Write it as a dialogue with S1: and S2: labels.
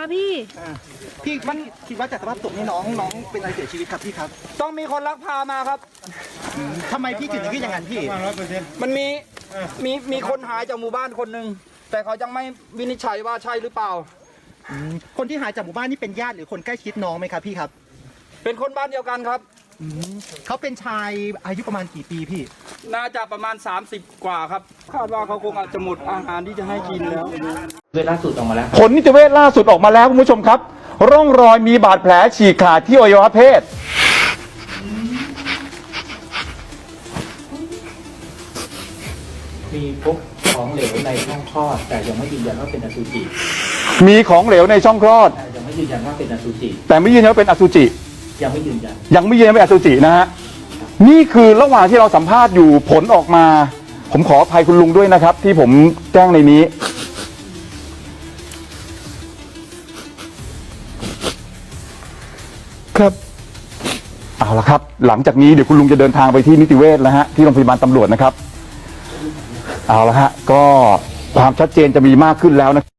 S1: คะพี่
S2: พี่มันคิดว่าจากสภาพศพนี่น้องเป็นอะไรเสียชีวิตครับพี่ครับ
S3: ต้องมีคนลักพามาครับ
S2: ทำไมพี่ถึงคิดอย่างนั้นพี่
S3: มันมีคนหายจากหมู่บ้านคนหนึ่งแต่เขายังไม่วินิจฉัยว่าใช่หรือเปล่า
S2: คนที่หายจากหมู่บ้านนี่เป็นญาติหรือคนใกล้ชิดน้องไหมครับพี่ครับ
S3: เป็นคนบ้านเดียวกันครับ
S2: เขาเป็นชายอายุประมาณกี่ปีพี่
S3: น่าจะประมาณ30กว่าครับคาดว่าเขาคงอาจจะหมดอาหารที่จะให้กินแล้ว
S4: เวลาสุดออกมาแล้ว
S5: ผลนิติเวชล่าสุดออกมาแล้วคุณผู้ชมครับร่องรอยมีบาดแผลฉีกขาดที่อวัยวะเพศ
S4: มีพบของเหลวในช่องคลอดแต่ยังไม่ยืนยันว่าเป็นอสุจิ
S5: มีของเหลวในช่องคลอด
S4: แต่ยังไม่ยืนยันว่าเป็นอสุจิ
S5: แต่ไม่ยืนยันว่าเป็นอสุจิ
S4: ยังไม่ยืนยัน
S5: เป็นอสุจินะฮะนี่คือระหว่างที่เราสัมภาษณ์อยู่ผลออกมาผมขออภัยคุณลุงด้วยนะครับที่ผมแจ้งในนี้ครับเอาละครับหลังจากนี้เดี๋ยวคุณลุงจะเดินทางไปที่นิติเวชแล้วฮะที่โรงพยาบาลตำรวจนะครับเอาละฮะก็ความชัดเจนจะมีมากขึ้นแล้วนะ